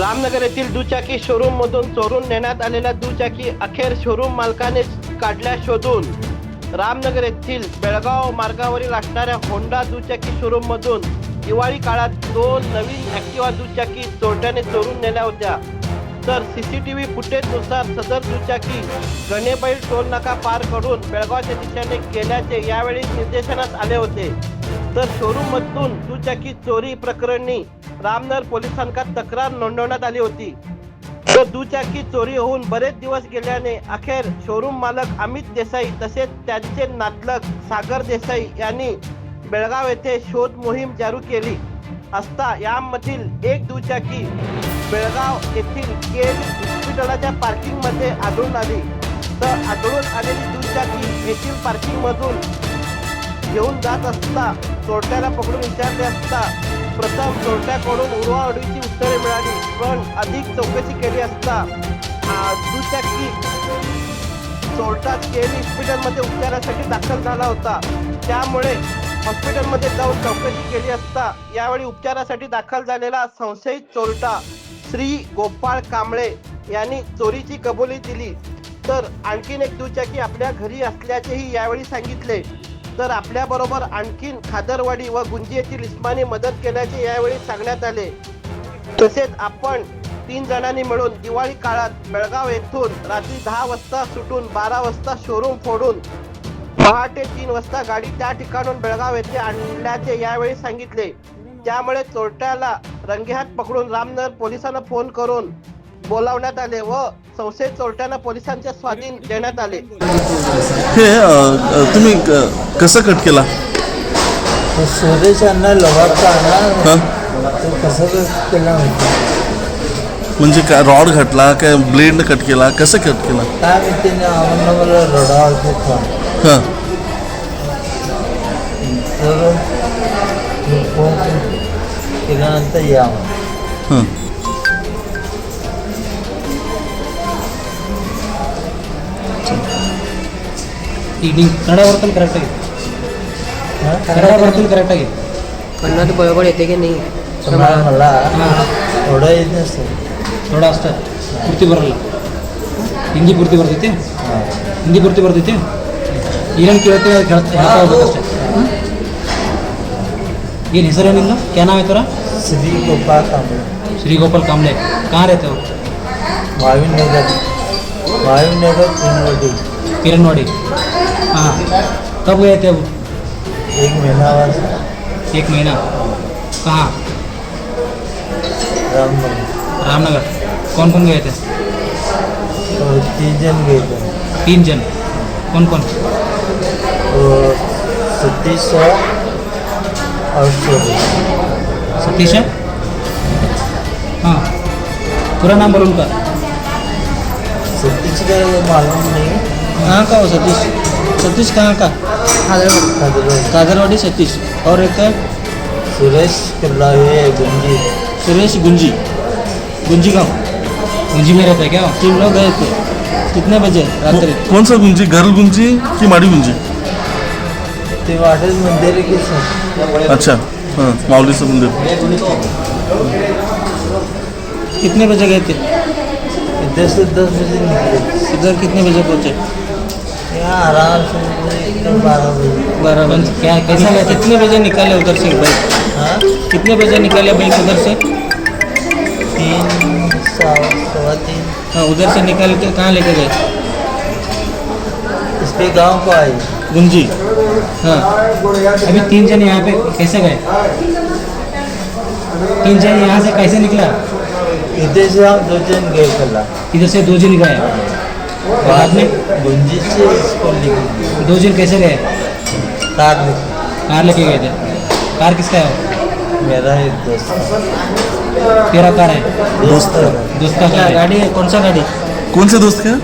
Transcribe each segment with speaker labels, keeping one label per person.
Speaker 1: रामनगर येथील दुचाकी शोरूम मधून चोरून नेण्यात आलेल्या दुचाकी अखेर शोरूम मालकाने काढल्या शोधून। रामनगर येथील बेळगाव मार्गावरील असणाऱ्या होंडा दुचाकी शोरूम मधून दिवाळी काळात 2 नवीन ॲक्टिवा दुचाकी चोरट्याने चोरून नेल्या होत्या। तर सीसीटीव्ही फुटेजनुसार सदर दुचाकी गणेबैल टोल नाका पार करून बेळगावच्या दिशेने गेल्याचे यावेळी निर्देशनास आले होते। तर शोरूम मधून दुचाकी चोरी प्रकरणी रामनगर पोलिसांना तक्रार नोंदवण्यात आली होती। तर दुचाकी चोरी होऊन बरेच दिवस गेल्याने अखेर शोरूम मालक अमित देसाई तसेच त्यांचे नातलग सागर देसाई यांनी बेळगाव येथे शोध मोहीम जारी केली असता यामधील एक दुचाकी बेळगाव येथील केएल हॉस्पिटलच्या पार्किंग मध्ये आढळून आली। तर आढळून आलेली दुचाकी येथील पार्किंग मधून घेऊन जात असता चोरट्याला पकडून विचारले असता प्रथम चोरट्याकडून उडवाउडवीची उत्तरे मिळाली, पण अधिक चौकशी केली असता दुचाकी चोरटा केएल हॉस्पिटलमध्ये उपचारासाठी दाखल झाला होता। त्यामुळे हॉस्पिटलमध्ये जाऊन चौकशी केली असता यावेळी उपचारासाठी दाखल झालेला संशयित चोरटा श्री गोपाळ कांबळे यांनी चोरीची कबुली दिली। तर आणखीन एक दुचाकी आपल्या घरी असल्याचेही यावेळी सांगितले। तर आपल्याबरोबर आणखीन खादरवाडी व गुंजी येथील इस्मानी मदत केल्याचे यावेळी सांगण्यात आले। तसेच आपण 3 जणांनी मिळून दिवाळी काळात बेळगाव येथून रात्री 10 वाजता सुटून 12 वाजता शोरूम फोडून पहाटे 3 वाजता गाडी त्या ठिकाणून बेळगाव येथे आणल्याचे यावेळी सांगितले। त्यामुळे चोरट्याला रंगेहात पकडून रामनगर पोलिसांना फोन करून बोलावण्यात आले व संशयित चोरट्यांना पोलिसांच्या स्वाधीन देण्यात आले।
Speaker 2: हे तुम्ही कसं कट केला?
Speaker 3: सुरेश यांना लवाडचा ना कसं केला
Speaker 2: म्हणजे काय रॉड घातला काय ब्लेड कट केला, कसं कट केला?
Speaker 3: काय माहिती आम्हाला मला रडावं
Speaker 2: हां
Speaker 3: तर फोन केल्यानंतर या
Speaker 2: हां
Speaker 4: ಈಗಿನ ಕನ್ನಡ ಬರ್ತಲ್ಲ ಕರೆಕ್ಟಾಗಿ ಕನ್ನಡ ಬರ್ತಲ್ಲ ಕರೆಕ್ಟಾಗಿ
Speaker 5: कन्नड बरोबर येते की नाही?
Speaker 3: मला थोडं येत नसतं
Speaker 4: ಥೋಡಾ ಅಷ್ಟೇ ಪೂರ್ತಿ ಬರಲ್ಲ ಹಿಂದಿ ಪೂರ್ತಿ ಬರ್ತೈತಿ ಹಿಂದಿ ಪೂರ್ತಿ ಬರ್ತೈತಿ ಏನೇನು ಕೇಳ್ತೀವಿ ಅದು ಹೇಳ್ತಾ ಹೋಗ್ಬೇಕಷ್ಟೇ ಏನು ಹೆಸರೇನಿಲ್ಲ ಕ್ಯಾ ನಾಮ್ है तेरा?
Speaker 3: श्री गोपाळ कांबळे
Speaker 4: श्री गोपाल कांबळे कहाँ रहते हो?
Speaker 3: महावीर नगर
Speaker 4: किरणवाड़ी। हाँ कब गए थे अब?
Speaker 3: 1 महीना बाद
Speaker 4: 1 महीना। कहाँ?
Speaker 3: रामनगर
Speaker 4: रामनगर। कौन कौन गए थे?
Speaker 3: तो 3 जन गए थे।
Speaker 4: 3 जन कौन कौन?
Speaker 3: तो सतीश और
Speaker 4: सतीश है? हाँ पूरा नाम बोलो उनका।
Speaker 3: सतीश का मालूम नहीं।
Speaker 4: कहाँ का हो सतीश? सतीश कहाँ का? कादरवाड़ी सतीश। और एक है
Speaker 3: सुरेश कल्लावे गुंजी।
Speaker 4: सुरेश गुंजी। गुंजी गाँव गुंजी में रहता है क्या? 3 लोग गए थे। कितने बजे रात्रि?
Speaker 2: कौन सा गुंजी, घर गुंजी की माड़ी गुंजी?
Speaker 3: ते वाटेल मंदिर के
Speaker 2: अच्छा हां माऊलीचं मंदिर।
Speaker 4: कितने बजे गए थे?
Speaker 3: इधर से 10 बजे निकले।
Speaker 4: इधर कितने बजे पहुँचे?
Speaker 3: यहाँ आराम से 12 बजे।
Speaker 4: 12 बजे। क्या कैसे गए? कितने बजे निकाले उधर से बाइक?
Speaker 3: हाँ
Speaker 4: कितने बजे निकाले बाइक उधर से?
Speaker 3: 3 सवा 3
Speaker 4: हाँ उधर से निकाल के कहाँ लेके गए?
Speaker 3: इसके गांव को आई।
Speaker 4: गुंजी। हाँ अभी 3 जन यहाँ पे कैसे गए? 3 जन यहाँ से कैसे निकला?
Speaker 3: इधर से हम 2 जन गए कला।
Speaker 4: इधर से 2 जन गए बाद में
Speaker 3: गुंजी से इसको लेके
Speaker 4: 2 जन कैसे गए?
Speaker 3: कार लेके।
Speaker 4: कार लेके गए थे। कार किसका है?
Speaker 3: मेरा एक दोस्त
Speaker 4: तेरा कार है?
Speaker 3: दोस्त
Speaker 4: दोस्त का क्या गाड़ी है? कौन सा गाड़ी?
Speaker 2: कोण से दोस्त का?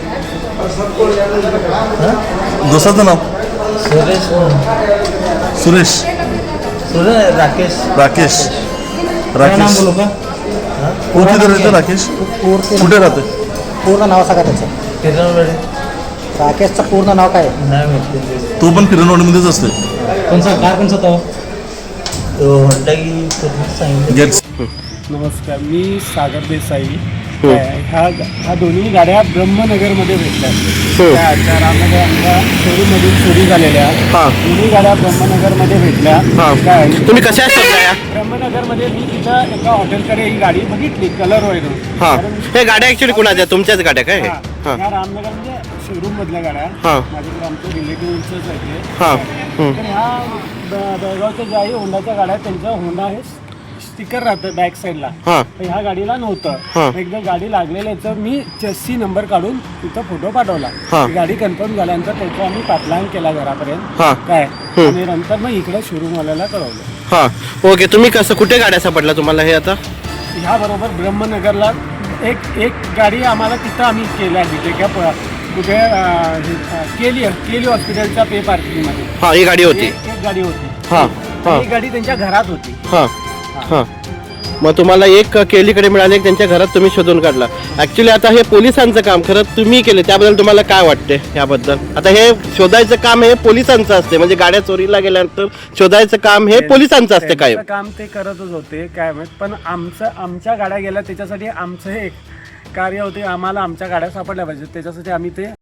Speaker 3: हाँ?
Speaker 2: दोस्ताचं नाव?
Speaker 3: सुरेश
Speaker 2: सुरेश
Speaker 3: राकेश
Speaker 2: राकेश
Speaker 4: क्या नाम बोलो का?
Speaker 3: हाँ?
Speaker 2: कोण तिथे राहतं राकेश? कुठे राहते?
Speaker 5: पूर्ण नाव सांगा त्याचं।
Speaker 3: किरणवाडी
Speaker 5: राकेशचं पूर्ण नाव काय?
Speaker 3: नाही माहिती।
Speaker 2: तो पण किरणवाडीमध्येच असते।
Speaker 4: कौन सा कार कौन सा था वो?
Speaker 3: तो होंडा की सर्विस सांगितलं।
Speaker 2: गेट्स
Speaker 6: नमस्कार, मी सागर देसाई. ह्या दोन्ही गाड्या ब्रह्मनगरमध्ये भेटल्या. त्या रामनगर आमच्या शोरूममधून चोरी झालेल्या दोन्ही गाड्या ब्रह्मनगरमध्ये भेटल्या. काय
Speaker 1: तुम्ही कशा शोधल्या या?
Speaker 6: ब्रह्मनगरमध्ये मी तिथं एका हॉटेलकडे ही गाडी बघितली कलर वरून.
Speaker 1: हा, हे गाड्या ऍक्च्युली कुणाच्या? तुमच्याच गाड्या काय?
Speaker 6: ह्या रामनगर म्हणजे शोरूम मधल्या गाड्या. माझ्याकडे आमच्या रिलेटिव्हच आहे. तर ह्या बेळगावच्या ज्या आहे होंडाच्या गाड्या, त्यांच्या होंडा हे स्टिकर राहतं बॅक साईडला. ह्या गाडीला नव्हतं. एकदा गाडी लागलेल्याचं मी चेसी नंबर काढून तिथं फोटो पाठवला. गाडी कन्फर्म झाल्यानंतर त्याचा आम्ही पाठलाग केला घरापर्यंत. काय आणि नंतर मग इकडे शोरूमवाल्याला कळवलं.
Speaker 1: हा, ओके. तुम्ही कसं, कुठे गाड्या सापडल्या तुम्हाला हे आता?
Speaker 6: ह्या बरोबर ब्रह्मनगरला एक गाडी आम्हाला तिथं आम्ही केल्या तिथे का कुठे केली हॉस्पिटलच्या पे पार्किंगमध्ये.
Speaker 1: हा, ही गाडी होती.
Speaker 6: एक गाडी होती.
Speaker 1: ही
Speaker 6: गाडी त्यांच्या घरात होती.
Speaker 1: हां, मग तुम्हाला एक केलीकडे मिळाले, त्यांच्या घरात तुम्ही शोधून काढला. ॲक्च्युली आता हे पोलिसांचं काम खरं तुम्ही केले, त्याबद्दल तुम्हाला काय वाटते याबद्दल? आता हे शोधायचं काम हे पोलिसांचं असते, म्हणजे गाड्या चोरीला गेल्यानंतर शोधायचं काम हे पोलिसांचं असते. काय
Speaker 6: काम ते करतच होते काय माहित, पण आमच्या गाड्या गेल्या त्याच्यासाठी आमचं हे कार्य होते. आम्हाला आमच्या गाड्या सापडल्या पाहिजे, त्याच्यासाठी आम्ही ते